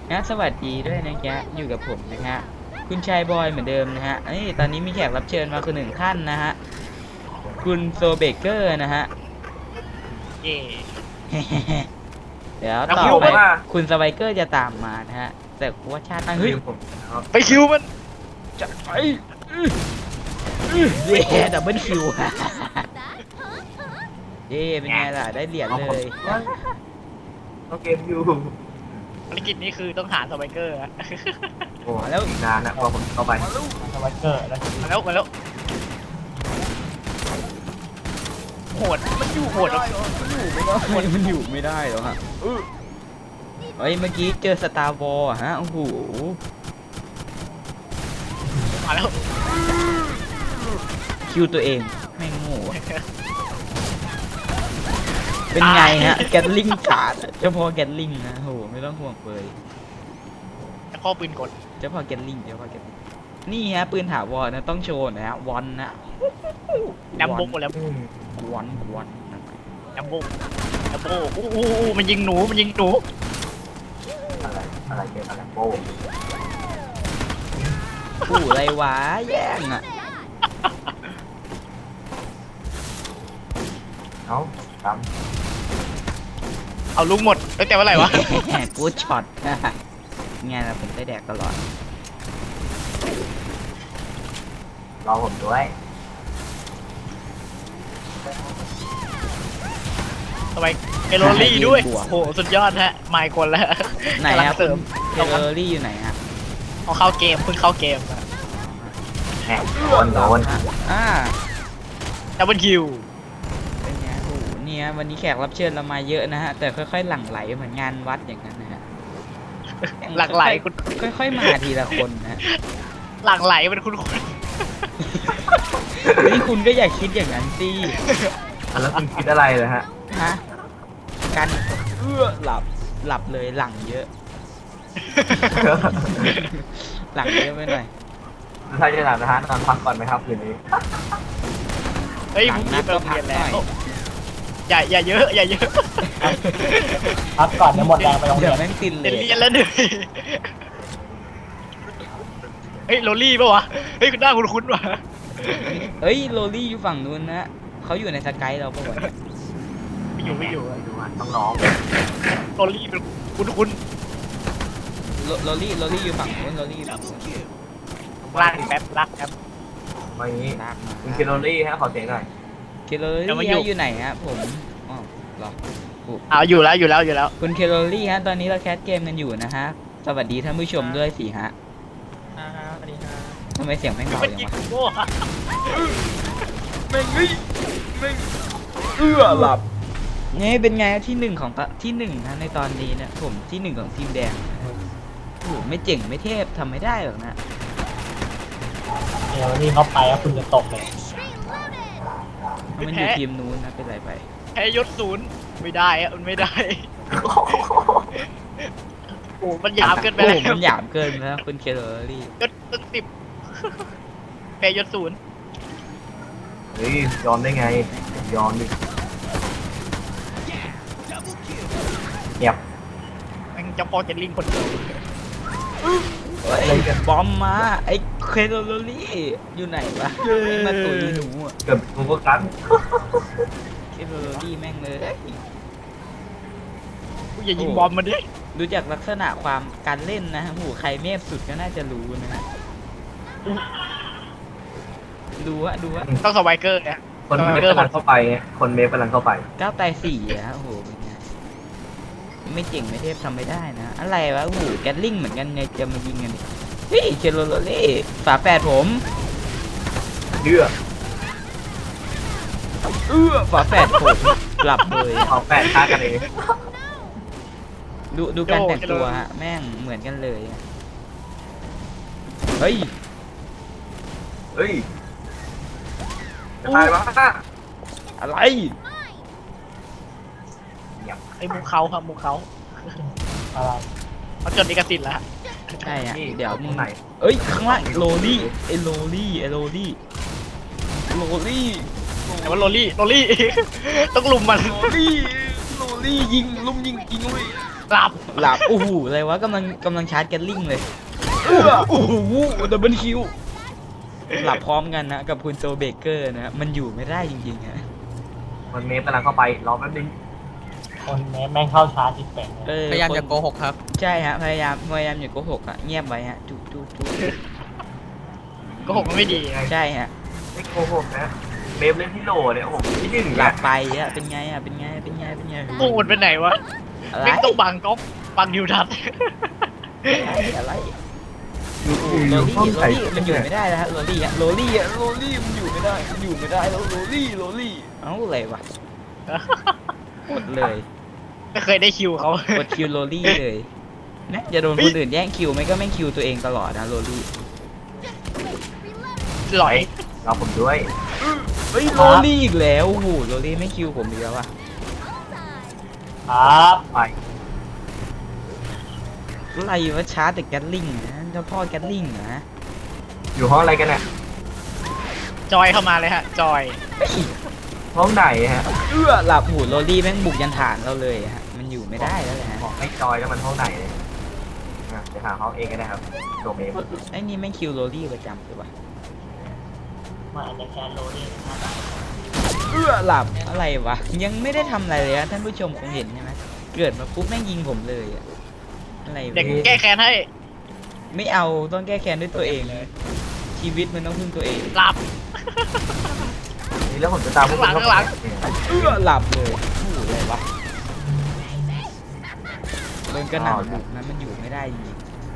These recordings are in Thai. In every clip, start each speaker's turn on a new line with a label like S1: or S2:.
S1: นะสวัสดีด้วยนะแกอยู่กับผมนะฮะคุณชายบอยเหมือนเดิมนะฮะตอนนี้มีแขกรับเชิญมาคนหนึ่งท่านนะฮะคุณโซเบเกอร์นะฮะ
S2: เย่
S1: เดี๋ยว
S2: แล้ว
S1: ต่อ
S2: คิว
S1: ไป
S2: มัน
S1: คุณสไบเกอร์จะตามมานะฮะแต่ว่าชาติตั้งเฮ้ย
S3: ผมนะครับ
S2: ไปคิวมัน
S1: จัดไปเย่ดับเบิลคิวเย่เป็นไงล่ะได้เหรียญเลย
S3: ก็เกมอยู่
S2: ภารกิจนี้คือต้องหาสไบเกอร์อะ
S3: โอ้แล้วอีกนานนะพอผมเข้าไป
S4: สไวเกอร์แล้ว
S2: มาแล้วโหดมันอยู่โหดอะ
S1: มันอยู่ไม่ได้หรอฮะเฮ้ยเมื่อกี้เจอสตาร์วอลฮะโอ้โห
S2: มาแล้ว
S1: คิวตัวเองแม่งโง่อะเป็นไงฮะแกตลิงขาดเฉพาะแกตลิงนะโหไม่ต้องห่วงเลย
S2: ข้อปืนกด
S1: เฉพาะแกตลิงนี่ฮะปืนถาวรนะต้องโชว์นะฮะวอนนะ
S2: แลมโบ้แล้ว
S1: วอน
S2: แลมโบ้อู้มันยิงหนู
S3: อะไรเกมอะไรโป้
S1: ผู้ไรวะแย่งอ่ะ
S3: เอ้าท
S2: เอาลูกหมดตั้งแต่เมื่อไหร่วะ
S1: กูช็อตไงล่ะผมได้แดกตลอด
S3: ำรอผมด้วย
S2: สไบเอโรลี่ด้วยโหสุดยอดฮะไมค์คนแล้ว
S1: ไหน
S2: กำลัง
S1: ฮะ
S2: เสริม
S1: เทเลอรี่อยู่ไหนฮะ
S2: เอาเข้าเกมเพิ่งเข้าเกม
S3: แหมโดน
S1: อ่า
S2: ดับเบิลคิว
S1: เป็นไงโอ้โหเนี่ยวันนี้แขกรับเชิญเรามาเยอะนะฮะแต่ค่อยๆหลั่งไหลเหมือนงานวัดอย่างนั้นนะฮะ
S2: หลั่งไหลคุณ
S1: ค่อยๆมาทีละคนนะ
S2: หลั่งไหลเป็นคุณ
S1: นี่คุณก็อย่าคิดอย่างนั้นสิ
S3: แล้วคุณคิดอะไรเลยฮะ
S1: ฮะกันหลับเลยหลังเยอะ หลังเยอะไปหน่อย
S3: ถ้าจะหลับนะฮะนอนพักก่อนไหมครับคืนนี้
S2: เฮ้ย
S1: หลั
S2: มึ
S1: ง
S2: ง
S1: นั
S2: รี
S1: ด
S2: บไป
S1: ก็
S2: โรง
S1: พั
S2: เรี
S1: ก
S2: ยน
S1: ห
S2: แล้
S1: น่อยว
S2: อย่าเยอะอย่าเยอะ
S4: พักก่อนเดี๋ยวหมดแรงไปโรงเรี
S1: เดี๋
S4: ย
S1: ยวน แม่งตินเล
S2: เรียน
S1: ย
S2: เรียนแล้วเหนื่อยเฮ้ยโรลี่ปะวะเฮ้ยคุณหน้าคุ้นๆว่ะ
S1: เฮ้ยโรลี่อยู่ฝั่งนู้นนะเขาอยู่ในสกายเราปะวะเนี่ย
S2: ไม่อยู่
S3: ไม่ดูฮะต้องร้อง
S2: โรลี่เป็นคุ้น
S1: โรลี่อยู่ฝั่งนู้นโรลี่อยู่ฝั่งนู้น
S2: ๆลากแป๊บลากแป๊บ
S3: มาอย่างนี้
S1: ลากมา
S3: คุณคิโรลี่ฮะขอเสียงหน่อย
S1: เคโร
S2: เดี๋ยวมา
S1: ลี่
S2: อยู่
S1: อยู่ไหนฮะผมอ๋อเหรอ
S2: เอาอยู่แล้ว
S1: คุณเคโรลี่ฮะตอนนี้เราแคสเกมกันอยู่นะฮะสวัสดีท่านผู้ชมด้วยสิฮะ
S2: สวัสดีครับ
S1: ทำไมเสียงแม่งเบา
S2: มัน
S1: อย่าง
S2: ยิง
S1: วะ
S2: โบ้อะ
S1: แม่งหลับนี่เป็นไงที่หนึ่งของที่หนึ่งนะในตอนนี้เนี่ยผมที่หนึ่งของทีมแดงโอ้โหไม่เจ๋งไม่เทพทำไม่ได้หรอกนะ
S4: เดี๋ยวนี่เขาไปแล้วคุณจะตกเลย
S1: มันอยู่ทีมนู้นนะเป็นไรไป
S2: แพ้ยศศูนย์ไม่ได้อะมันไม่ได้ โอ้มันหยาบเกินไป
S1: โอ้
S2: แล้ว
S1: โหมันหยาบเกินแล้วคุณเคโรลี่
S2: ยศตั้ง10แพ้ยศศูนย์
S3: เฮ้ยยอมได้ไงยอมดิเงียบ
S2: แม่งจะพอจะลิงคนเดียว
S1: ไอ้บอมมาไอ้เคโรลี่อยู่ไหนวะไอ้มาตุยหนูอะ
S3: เกือบกูก็กัน
S1: เคโรลี่แม่งเลย
S2: กูอย่ายิงบอมมันดิ
S1: ดูจากลักษณะความการเล่นนะโอ้โหใครเมฟสุดก็น่าจะรู้นะฮะดูฮะ
S2: ต้องสไวเกอร์เนี่ย
S3: คนเมฟกำลังเข้าไปไงคนเมฟกำลังเข้าไป
S1: ก้าวไตสี่อะโอ้โหเป็นไงไม่เจ๋งไม่เทพทำไม่ได้นะ อะไรวะโอ้โหแกลลิงเหมือนกันเนี่ยจะมายิงกันเนี่ยเฮ้ยเคโรลี่ฝาแฝดผม
S3: เดือ
S1: ฝาแฝดผมหลับเลย
S3: เอาแปดฆ่ากันเอง
S1: ดูการแต่งตัวฮะแม่งเหมือนกันเลยอะเฮ้ย
S3: เฮ้ยจะตายวะ
S1: อะไร
S2: ไอ้มุกเขาครับมุกเขา
S4: อะไร
S2: เขาจดลิขสิทธิ์แล้ว
S1: ใช่ฮะ
S3: นี่
S1: เดี๋ยวมึง
S3: ไหน
S1: เอ้ยข้างล่างโรลี่ไอ้โรลี่
S2: แต่ว่าโรลี่ ต้องลุมมัน
S1: โรลี่ยิงลุมยิงเว้ย
S2: หลับ
S1: หลับโอ้โหอะไรวะกำลังชาร์จแกลลิงเลยโอ้โหดับเบิลคิวหลับพร้อมกันนะกับคุณโจเบเกอร์นะมันอยู่ไม่ได้จริงๆฮะ
S3: มันเมฟกำลังเข้าไปรอแป๊บนึง
S4: คนแม่งเข้าชาร์จจิตเป็น
S5: พยายามอย่าโกหกครับ
S1: ใช่ฮะพยายามอย่าโกหกอ่ะเงียบไว้ฮะจุ๊จุ๊จุ๊
S2: โก็หกมันไม่ดีไง
S1: ใช่ฮะ
S3: ไม่โกหกนะเมฟเล่นที่โหลเนี่ยโอ้โหที่หนึ่ง
S1: หลั
S3: นะ
S1: บไปอ่ะเป็นไงอ่ะเป็นไง
S2: โอ้มันไปไหนวะ
S1: อะไร
S2: ไม่ต้องบังก๊อกบังดิวทัศน์
S1: อะไร
S3: อยู่
S1: โร
S3: อยู่
S1: ลี่
S3: ห้อง
S1: โร
S3: ใส่
S1: ลี่มันอยู่ไม่ได้แล้วฮะโรลี่อะโรลี่มันอยู่ไม่ได้แล้วโรลี่เอ้าอะไรวะกดเลย
S2: ไม่เคยได้คิวเขา
S1: กดคิวโรลี่เลยนะจะโดนคนอื่นแย่งคิวไหมก็ไม่คิวตัวเองตลอดนะโรลี่
S2: หลอย
S3: เราผมด้วย
S1: เฮ้ยโรลี่อีกแล้วโอ้โหโรลี่ไม่คิวผมอีกแล้วอะ
S4: ครับ
S3: ไป
S1: อะไรวะชาร์จแต่แกลลิงนะเจ้าพ่อแกลลิงนะ
S3: อยู่ห้องอะไรกันเนี่ย
S2: จอยเข้ามาเลยฮะ จอย
S3: ห้องไหนฮะ
S1: หลับหูโรลี่แม่งบุกยันฐานเราเลยฮะมันอยู่ไม่ได้แล้วแหละฮะ
S3: บอกให้จอยแล้วมันห้องไหนเลยอ่ะเดี๋ยวหาห้องเองก็ได้ครับโดเมฟ
S1: ไอ้นี่แม่งคิวโรลี่ประจำเลยปะ
S4: มาอันเดอร์แคนโรนี่นะครับ
S1: หลับอะไรวะยังไม่ได้ทำอะไรเลยอะท่านผู้ชมคงเห็นใช่ไหมเกิดมาปุ๊บแม่งยิงผมเลยอะอะไรวะ
S2: เด็กแก้แค้นให้
S1: ไม่เอาต้องแก้แค้นด้วยตัวเองชีวิตมันต้องพึ่งตัวเอง
S2: หลับ
S3: นี่แล้วผมจะตามพวกคุณ
S2: ข้างหลัง
S1: หลับเลยโอ้โหอะไรวะโดนกระหน่ำบุกนั้นมันอยู่ไม่ได้จริง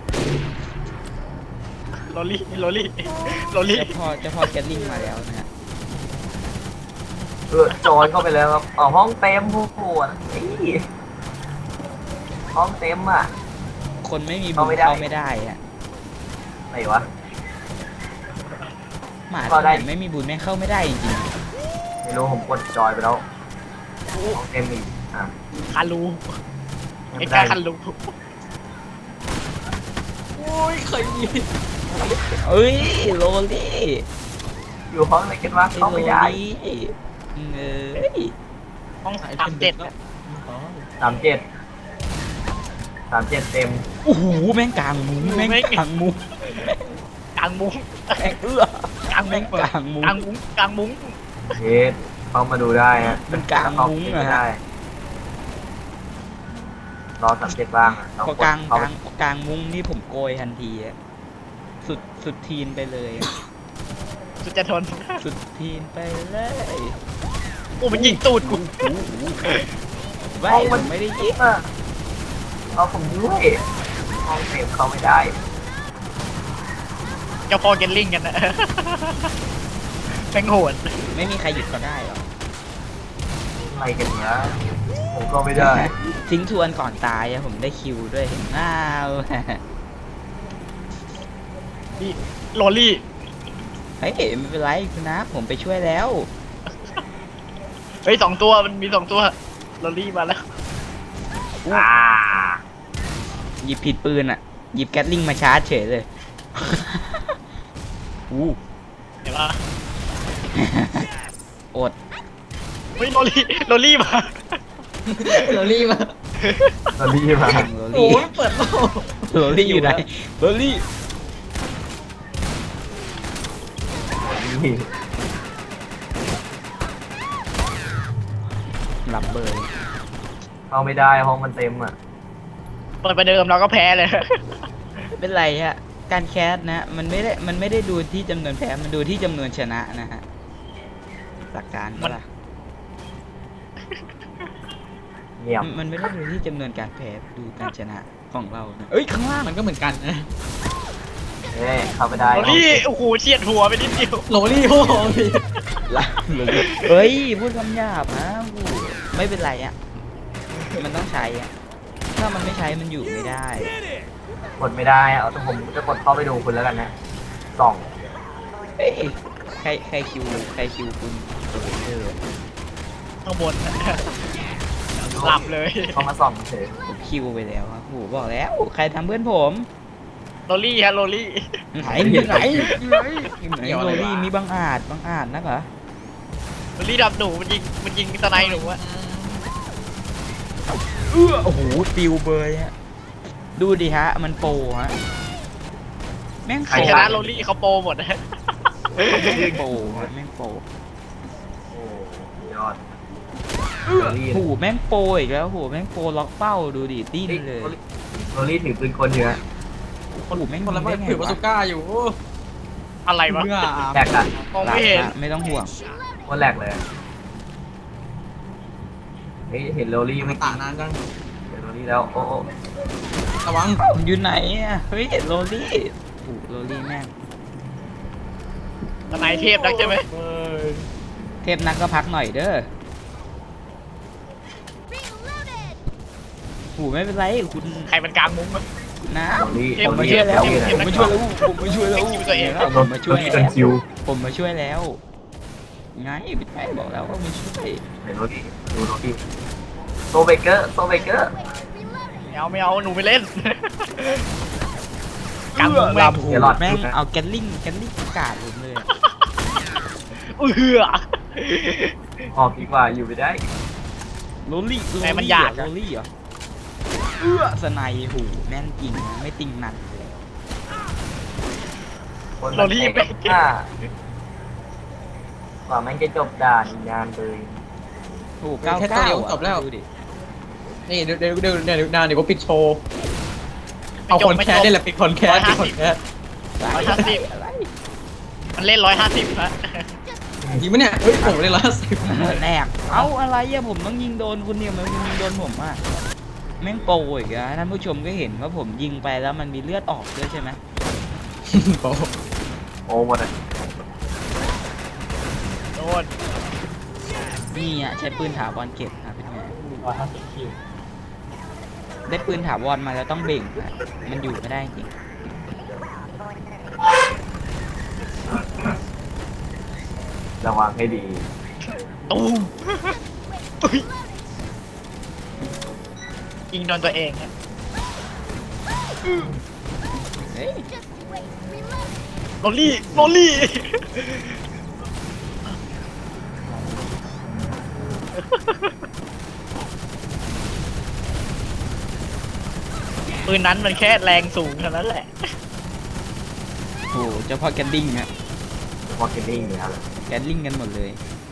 S2: โรลี่
S1: เจ้าพ่อแกลลิงมาแล้วนะฮะ
S3: จอยเข้าไปแล้วครับอ๋อห้องเต็มผู้ปวดห้องเต็มอ่ะ
S1: คนไม่มีบุญ
S3: เข้าไม่ได้
S1: เข้าไม่ได้อะ
S3: ไหนวะ
S1: หมา
S3: เข้า
S1: ที่
S3: ได้
S1: ไหนไม่มีบุญแม่งเข้าไม่ได้จริง
S3: ไม่รู้ผมกดจอยไปแล้วห้องเต็มอีกอ่ะ
S2: คารู
S3: ไม่
S2: ไอ้
S3: ได้
S2: กาคารู
S1: ๆโอ้ยเคยยิงเอ้ยโรลี่
S3: อยู่ห้องอะไรกันวะเข้าไม่ได้
S1: เอ้ย
S2: ห้อง37
S3: 37เต็ม
S1: โอ้โหแม่งกลางมุ้งแม่งกลางมุ้ง
S2: กลางมุ้ง
S1: แม่ง
S2: กลางมุ้
S1: แม่
S2: ง
S1: งกลางมุ้ง
S2: กลางมุ้งกลางมุ้ง
S3: เฮ็ดเข้ามาดูได้ฮะ
S1: มันกลางมุ้งอะฮะ
S3: ได้รอ37บ้างอะ
S1: พอกลาง
S3: เข้
S1: กลางมุ้งนี่ผมโกยทันทีอะสุดทีนไปเลยอะ
S2: สุดจะทน
S1: สุดทีนไปเลย
S2: โอ้มันยิงตูดกู
S1: ไม่ผมไม่ได้ยิง
S3: อะเอาผมด้วยห้องเต็มเข้าไม่ได้
S2: เจ้าพ่อเกนลิงกันนะ แม่งโหด
S1: ไม่มีใครหยุดเขาได้หรอก
S3: อะไรกันเนี้ยผมก็ไม่ได้
S1: ทิ้งทวนก่อนตายอะผมได้คิวด้วยอ้าว
S2: นี่โรลี่
S1: เฮ้ยไม่เป็นไรคุณนะผมไปช่วยแล้ว
S2: เฮ้ย2 ตัวมันมี2 ตัวโรลี่มาแล้ว
S3: อ่า
S1: หยิบผิดปืนอะหยิบแก๊สลิงมาชาร์จเฉยเลย อู้
S2: เห็นปะ
S1: อด
S2: เฮ้ยโรลี่มา
S5: โรลี่มา
S3: ตอนนี้มา
S1: โร
S5: โอ้
S1: ลี่
S5: ยเปิดโลก
S1: โรลี่อยู่ไหนโรลี่
S3: นี่
S1: หลับเบย
S3: เข้าไม่ได้ห้องมันเต็มอ่ะ
S2: เปิดประเดิมเราก็แพ้เลย
S1: ไม่เป็นไรฮะการแคสนะมันไม่ได้ดูที่จำนวนแพ้มันดูที่จำนวนชนะนะฮะหลักการก็ล่ะ
S3: เงียบ
S1: มันไม่ได้ดูที่จำนวนการแพ้ดูการชนะของเรานะเอ้ยข้างล่าง
S5: มันก็เหมือนกันนะ
S3: เข้าไม่ได้
S2: โรลี่โอ้โหเฉียดหัวไปนิดเดียว
S5: โรลี่โอ้โหพี่
S1: ละเฮ้ยพูดคำหยาบนะโอ้โหไม่เป็นไรอ่ะมันต้องใช้อ่ะถ้ามันไม่ใช้มันอยู่ไม่ได้
S3: กดไม่ได้เอาแต่ผมจะกดเข้าไปดูคุณแล้วกันนะส่อง
S1: เฮ้ยใครคิวคุณเออ
S2: ข้างบน หลับเลย
S3: เข้ามาส่องเฉย
S1: ผมคิวไปแล้วครับโอ้โหบอกแล้วใครทำเพื่อนผม
S2: โรลี่ฮะโรลี่
S1: ไหนโรลี่มีบางอาจนักเหรอ
S2: โรลี่ดับหนูมันยิงสไนหนูอะ
S1: โอ้โหปิวเบยฮะดูดิฮะมันโปรฮะแม่ง
S2: ใครชนะโรลี่เขาโปรหมดนะ
S1: โปรฮะแม่งโปร
S3: โอ้ยอด
S1: โอ้โหแม่งโปรอีกแล้วโอ้โหแม่งโปรล็อกเป้าดูดิดิ้นเลย
S3: โรลี่ถือปืนคนเยอะ
S1: โอ้โหแม่ง
S5: คนละ
S1: ยิ
S5: ไม่
S1: งได้ไง
S5: ถือปาว
S1: ะ
S5: สุก้าอยู่
S2: อะไรวะ
S5: เมื่อ
S3: แหลกอะ
S2: มองไม่เห็น
S1: ไม่ต้องห่วง
S3: โคตรแหลกเลยเฮ้ยเห็นโรลี่
S5: มั
S3: ไม่
S5: น
S3: กี่
S5: ตานานจัง
S3: เห็นโรลี่แล้วโอ้
S5: ระวัง
S1: อยู่ไหนอ่ะเฮ้ยโรลี่โอ้โหโรลี่แม่ง
S2: ทนายเทพนักใช่ไหม
S1: เทพนักก็พักหน่อยเด้อโอ้โหไม่เป็นไรคุณ
S2: ใครมันกลางมุ้งวะ
S1: นะ
S3: โรลี่
S1: ผมมาช่วยแล้วผมมาช่วยแล้วผมมาช่วยแล้ว
S2: คิวตัวเอง
S1: ผมมาช่วย
S3: โรลี่
S1: แล้
S3: กัน
S1: ว
S3: คิว
S1: ผมมาช่วยแล้วไงพี่แม่บอกแล้วว่ามาช่วย
S3: เห็นโรลี่ดูโรลี่โซเบเกอร์โซเบเกอร์
S2: ไม่เอาหนูไปเล่น กลางมุ้งแม่ง
S1: ลำหูแม่งเอาแกลลิงประกาศผมเลยอะ
S2: เอือ
S3: ออกดีกว่าอยู่ไม่ได้
S1: โรลี่
S2: แต่มันอยาก
S1: โร
S2: อะ
S1: ลี่เหรอสไนหูแม่นจริงนะไม่ติงนันเลย
S3: คนมันแตกกว่ามันจะจบด่านงานเลย
S1: โอ้เก้าเก้าดูดิ
S5: นี่เดี๋ยวก็ปิดโชว์เอาคนแคสได้แหละปิดคนแคสปิดคนแคส
S2: 150
S1: อะไร
S2: มันเล่น150ฮะ
S5: จริงปะเนี่ยเฮ้ยผมเลย110
S1: แนกเอ้าอะไรอะผมต้องยิงโดนคุณเนี่ยมันยิงโดนผมอะแม่งโปรอีกอะท่านผู้ชมก็เห็นว่าผมยิงไปแล้วมันมีเลือดออกด้วยใช่ไหม
S3: โอ้หมดอ่ะ
S2: โดน
S1: นี่อะใช้ปืนถาวรเก็บครับเป็นไง
S4: 150 คิว
S1: ได้ปืนถาวรมาแล้วต้องเบ่งอะมันอยู่ไม่ได้จริง
S3: ระวังให้ดี
S2: ตูมอุ๊ยยิงโดนตัวเองฮะ
S1: เฮ้ย
S2: โรลี่ปืนนั้นมันแค่แรงสูงเท่านั้นแหละ
S1: โอ้เฉพาะแกนลิงอะ
S3: วอลเกนนิ่งเลยครับ
S1: แกนลิงกันหมดเลย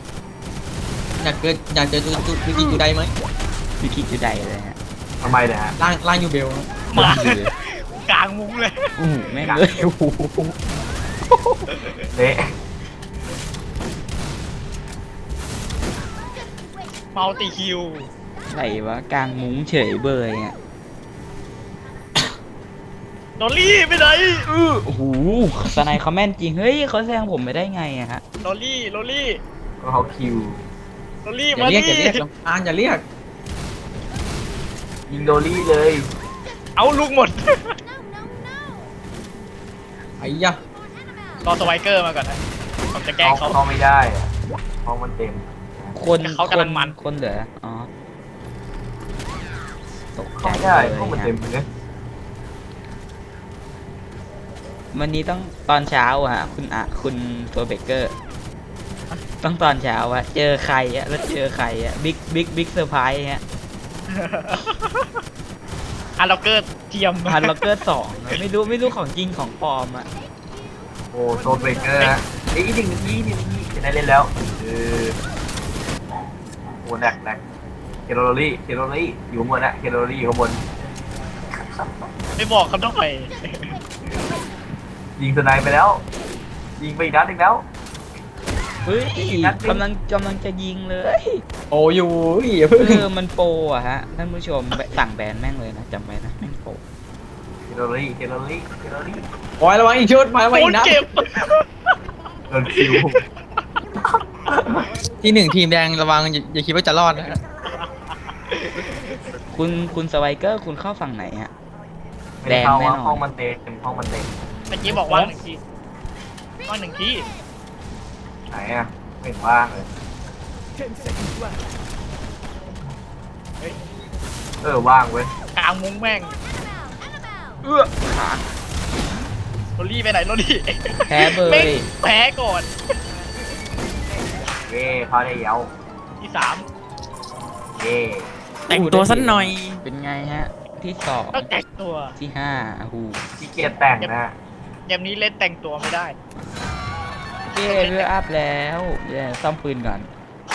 S5: อยากเจอจูไดไหม
S1: วิคิจุดใดเลยฮะ
S3: ทำไมเนี่ยฮะ
S5: ล่างยูเบล
S2: มากลางมุ้งเลย
S1: โอ้โหแม่งเลยโอ้โห
S3: เละ
S2: เมาติคิว
S1: ไหนวะกลางมุ้งเฉยเบยอะ
S2: โรลี่ไปไหน
S1: โอ้โหสไนเขาแม่นจริง เฮ้ยเขาแซงผมไปได้ไงอะฮะ
S2: โรลี่
S3: ก็เขาคิว
S5: อย่า
S2: มา
S5: เรียก
S2: ดิ
S5: ลำพานอย่าเรียก
S3: ยิงโดลี่เลย
S2: เอาลูกหมด
S5: ไอ้ยะ
S2: รอสไวเกอร์มาก่อนนะผมจะแกล้งเขา
S3: เขาไม่ได้อะห้องมันเต็ม
S1: คน
S2: เขากำลังมัน
S1: คนเหลืออ๋อตกใจ
S3: เข้าไม่ได้
S1: เลย
S3: ห้องมัน
S1: ฮะ
S3: เต็มเลย
S1: วันนี้ต้องตอนเช้าอะฮะคุณตัวเบเกอร์ ต้องตอนเช้าอะเจอใครอะแล้วเจอใครอะบิ๊กเซอร์ไพรส์ฮะ
S2: ฮันล็อกเกอร์เทียม
S1: พันล็อกเกอร์2นะไม่รู้ของจริงของปลอมอะ
S3: โอ้โซเบเกอร์ฮะไอ้ย1 นาทีจะได้เล่นแล้วโอ้แหลกเคโรลี่อยู่ข้างบนนะเคโรลี่อยู่ข้างบน
S2: ไม่บอกเขาต้องไป
S3: ยิงสไนไปแล้ว ยิงไปอีกนัดหนึงแล้ว
S1: เฮ้ย
S3: นัดหนึ่ง
S1: กำลังจะยิงเลย
S5: โอ้อยู่อย่าเพิ่ง
S1: มันโปรอะฮะท่านผู้ชมสั่งแบนแม่งเลยนะจำไว้นะแม่งโปร
S3: เคโรลี่
S5: ปล่อยระวังอีกชุดมาระวัง
S2: โด
S5: อี
S2: น
S5: กนะ
S2: เก็บ
S3: โดนคิว
S5: ที่1ทีมแดงระวังอย่าคิดว่าจะรอดนะ
S1: คุณสไวเกอร์คุณเข้าฝั่งไหนฮะ
S3: ไม่ได้เข้า
S1: แดงแน่
S3: ว่าน
S1: อน
S3: ห้องมันเต็มห้องมันเต็ม
S2: เมื่อกี้บอกว่าง1 ทีว่าง1 ที
S3: ไหนอ่ะไม่เห็นว่างเลยว่างเว้ย
S2: กลางมุ้งแม่ง
S1: ขา
S2: โรลี่ไปไหนโรลี่
S1: แพ้เบ
S2: แม่ง
S1: ย
S2: แพ้ก่อน
S3: เย่เขาได้เย้า
S2: ที่
S3: เย่
S2: แต่งตัวสักหน่อย
S1: เป็นไงฮะ ที่สอง
S2: ต้องแต่งตัว
S1: ที่ห้าโอ้โห
S3: ขี้เกียจแต่งนะฮะ
S2: เกมนี้เล่นแต่งตัวไม่ได้
S1: เย้เรืออัพแล้วเดี๋ยวซ่อมปืนก่อน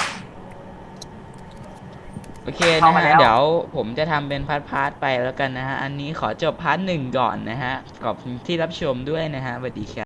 S1: โอเคนะฮะ เดี๋ยวผมจะทำเป็นพาร์ทๆไปแล้วกันนะฮะ อันนี้ขอจบพาร์ท 1ก่อนนะฮะ ขอบคุณที่รับชมด้วยนะฮะสวัสดีครับ